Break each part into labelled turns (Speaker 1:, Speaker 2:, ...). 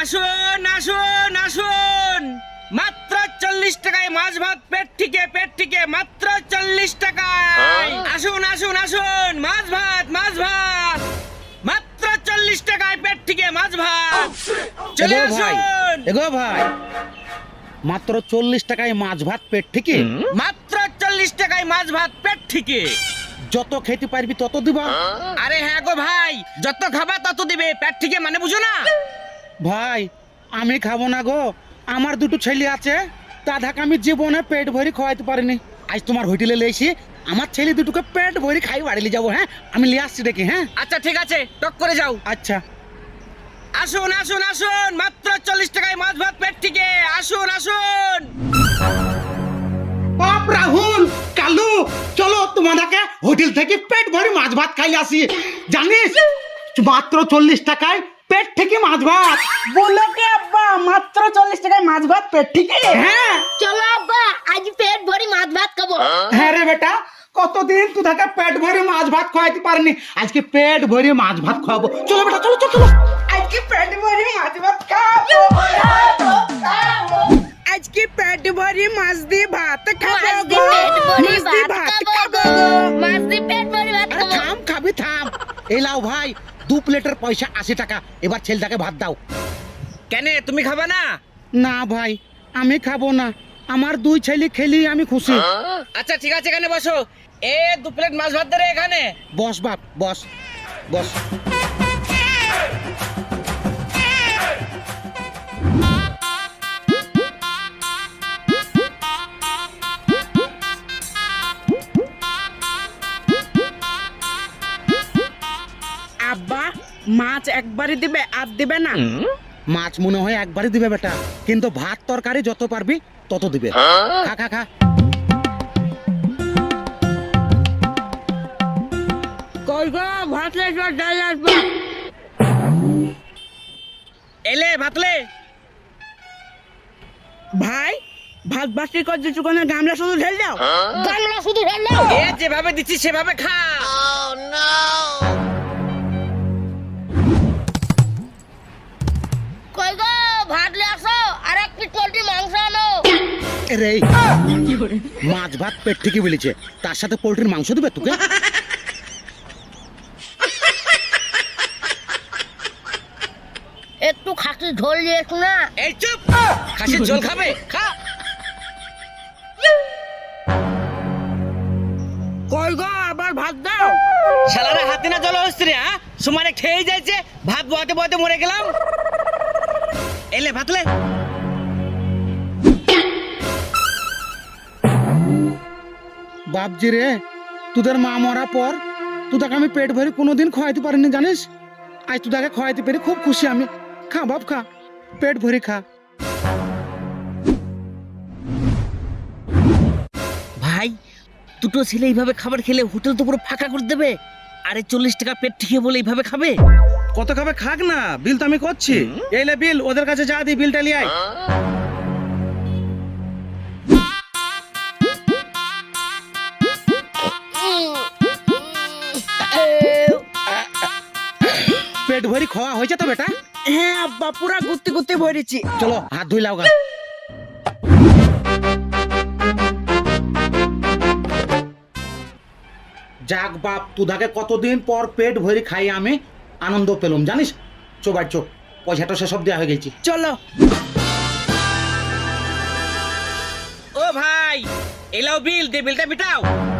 Speaker 1: আসুন আসুন আসুন, মাত্র 40 টাকায় মাছ ভাত পেট থেকে মাত্র 40 টাকায়। আসুন আসুন আসুন, মাছ ভাত মাত্র 40 টাকায় পেট থেকে মাছ ভাত। চলে আসুন।
Speaker 2: এগো ভাই, মাত্র 40 টাকায় মাছ ভাত পেট থেকে?
Speaker 1: মাত্র 40 টাকায় মাছ ভাত পেট থেকে।
Speaker 2: যত খেতে পারবি তত দিবা।
Speaker 1: আরে হ্যাঁ গো ভাই, যত খাবা তত দিবে, পেট থেকে মানে বুঝো না?
Speaker 2: ভাই আমি খাবো না গো, আমার দুটো ছেলে আছে, তাদেরকে আমি জীবনে পেট ভরি খাওয়াইতে পারিনি। আজ তোমার হোটেলে লেছি, আমার ছেলে দুটোকে পেট ভরি খাই বাড়ি যাবো। হ্যাঁ আমি লিয়ে আসছি দেখি। হ্যাঁ
Speaker 1: আচ্ছা ঠিক আছে, টক করে যাও।
Speaker 2: আচ্ছা
Speaker 1: আসুন আসুন আসুন, মাত্র 40 টাকায় মাছ ভাত পেট থেকে। আসুন আসুন।
Speaker 2: বাপ রাহুল, কালু, চলো তোমাদেরকে হোটেল থেকে পেট ভরি মাছ ভাত খাই আসি। জানিস মাত্র 40 টাকায় পেট থেকে মাছ ভাত।
Speaker 3: বলো কি আব্বা, মাত্র 40 টাকায় মাছ ভাত পেট থেকে?
Speaker 2: হ্যাঁ
Speaker 4: চলো আব্বা, আজ পেট ভরি মাছ ভাত খাবো।
Speaker 2: হ্যাঁ রে বেটা, কতদিন তোদেরকে পেট ভরি মাছ ভাত খাওয়াইতে পারিনি, আজকে পেট ভরি মাছ ভাত খাওয়াবো। চলো বেটা, চলো চলো চলো।
Speaker 3: আজকে পেট ভরি মাছ ভাত খাবো। আজকে পেট ভরি মাছ দিয়ে ভাত খাবো
Speaker 4: মাছ
Speaker 3: গো।
Speaker 4: দিয়ে পেট ভরি
Speaker 3: মাছ দিয়ে
Speaker 4: ভাত
Speaker 3: ভাত
Speaker 4: খাবো
Speaker 3: খাবো
Speaker 4: গো।
Speaker 3: গো।
Speaker 4: মাছ দিয়ে পেট ভরি ভাত
Speaker 2: আরে
Speaker 4: খাবো।
Speaker 2: থাম, খাবি থাম। এই লাও ভাই, 2 প্লেটের পয়সা 80 টাকা। এবার ছেলেটাকে ভাত দাও।
Speaker 1: কেন তুমি খাবা না?
Speaker 2: না ভাই, আমি খাবো না, আমার 2 ছেলে খেলি আমি খুশি।
Speaker 1: আচ্ছা ঠিক আছে, এখানে বসো। 2 প্লেট মাছ ভাত দে রে এখানে।
Speaker 2: বস বাপ, বস বস।
Speaker 3: আব্বা, মাছ একবারই দিবে, আর দিবে না?
Speaker 2: মাছ মনে হয় একবারই দিবে বেটা, কিন্তু ভাত তরকারি যত পারবি তত দিবে। খা খা খা।
Speaker 3: কই গো, ভাত লাগবে, ডাল লাগবে।
Speaker 1: এলে ভাতলে।
Speaker 3: ভাই, ভাত বাসি করছে চুকানে, গামলা শুধু ঢেল দাও।
Speaker 4: গামলা শুধু ঢেলে।
Speaker 1: যেভাবে দিচ্ছি সেভাবে খা।
Speaker 4: কই গো, ভাত লে আসো, আর 1 পিস পোল্ট্রি মাংস আনো।
Speaker 2: রে মাছ ভাত পেট থেকে বলেছে, তার সাথে পোল্ট্রির মাংস দিবে তোকে?
Speaker 4: একটু খাসি ঝোল দিয়েছ না?
Speaker 1: এই চুপ, খাসির ঝোল খাবে? খা।
Speaker 3: কই গো, আবার ভাত দাও।
Speaker 1: শালারা হাতে না জল হচ্ছে রে। হ্যাঁ সমানে খেয়ে যাইছে, ভাত বয়াতে বয়াতে মরে গেলাম। এলে ভাতলে।
Speaker 2: বাপজি রে, তোদের মা মরা পর তোদেরকে আমি পেট ভরে কোনোদিন খাওয়াইতে পারিনি জানিস। আজ তোদেরকে খাওয়াইতে পেরে খুব খুশি আমি। খা বাপ খা, পেট ভরে খা।
Speaker 1: ভাই, দুটো ছেলে এইভাবে খাবার খেলে হোটেল তো পুরো ফাঁকা করে দেবে। আরে 40 টাকা পেট ঠিক বলে এইভাবে খাবে?
Speaker 2: কত খাবে খাক না, বিল তো আমি করছি। এইলে বিল, ওদের কাছে যা দি, বিলটা লিয়ে আয়। পেট ভরি খাওয়া হয়েছে তো বেটা?
Speaker 3: হ্যাঁ আব্বা, পুরা গুত্তি গুত্তি ভরেছি।
Speaker 2: চলো হাত ধুই লাও গা। যাক বাপ, তোদাকে কতদিন পর পেট ভরি খাই আমি আনন্দ পেলাম জানিস। চো বাই চো, পয়সাটা সেসব দেওয়া হয়ে গেছি।
Speaker 3: চলো।
Speaker 1: ও ভাই, এলাও বিল দে, বিলটা মিটাও।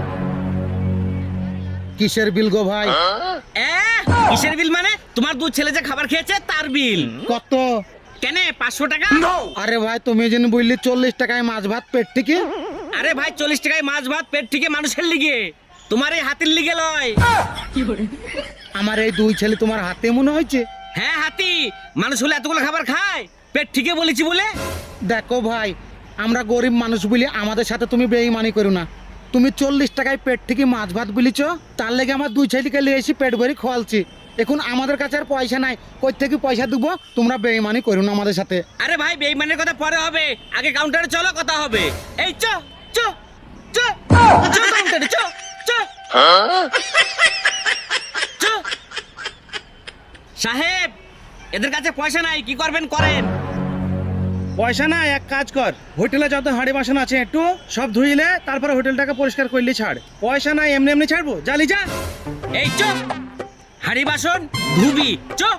Speaker 2: কিসের বিল গো ভাই?
Speaker 1: কিসের বিল মানে? তোমার 2 ছেলে যে খাবার খেয়েছে তার বিল।
Speaker 2: কত?
Speaker 1: কেন 500 টাকা?
Speaker 2: আরে ভাই, তুমি যেন বললি 40 টাকায় মাছ ভাত পেট থেকে।
Speaker 1: আরে ভাই, 40 টাকায় মাছ ভাত পেট থেকে মানুষের লিগে, তোমার এই হাতির লিগে লয়।
Speaker 2: আমার এই 2 ছেলে তোমার হাতে মনে হয়েছে?
Speaker 1: হ্যাঁ হাতি, মানুষ হলে এতগুলো খাবার খায়? পেট ঠিকই বলেছি বলে।
Speaker 2: দেখো ভাই, আমরা গরিব মানুষ বলি আমাদের সাথে তুমি বেঈমানি করো না। তুমি 40 টাকায় পেট থেকে মাছ ভাত বলিছ, তার লেগে আমার 2 ছেলেকে নিয়ে এসে পেট ভরি খাওয়ালছি। এখন আমাদের কাছে আর পয়সা নাই, কই থেকে পয়সা দেবো? তোমরা বেঈমানি করো না আমাদের সাথে।
Speaker 1: আরে ভাই, বেইমানের কথা পরে হবে, আগে কাউন্টারে চলো, কথা হবে। এই চ চ চ চ কাউন্টারে চ চ চ। সাহেব, এদের কাছে পয়সা নাই, কি করবেন করেন।
Speaker 2: পয়সা না, এক কাজ কর, হোটেলে যত হাঁড়ি বাসন আছে একটু সব ধুইলে তারপরে হোটেলটাকে পরিষ্কার করলি ছাড়। পয়সা নাই, এমনি এমনি ছাড়বো, জালি যা।
Speaker 1: এই চুপ, হাড়ি বাসন ধুবি, চুপ।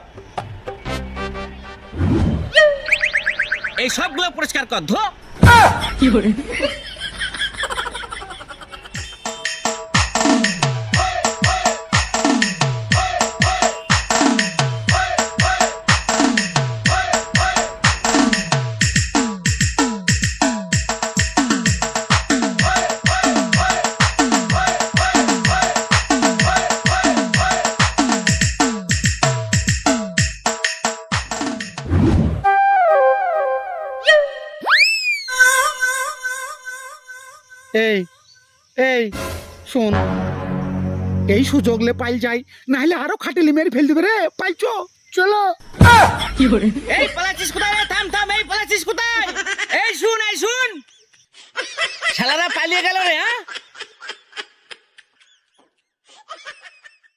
Speaker 1: এই সবগুলো পরিষ্কার কর, ধো।
Speaker 2: এই এই শোন, এই সুযোগ লে পাইল যাই, নাহলে আরো খাটিলি মেরে ফেল দিবে রে, পাইছো?
Speaker 4: চলো।
Speaker 1: এই পালাচ্ছিস কোথায় রে? থাম থাম, এই পালাচ্ছিস কোথায়? এই শুন, এই শুন, শালারা পালিয়ে গেল রে। হ্যাঁ,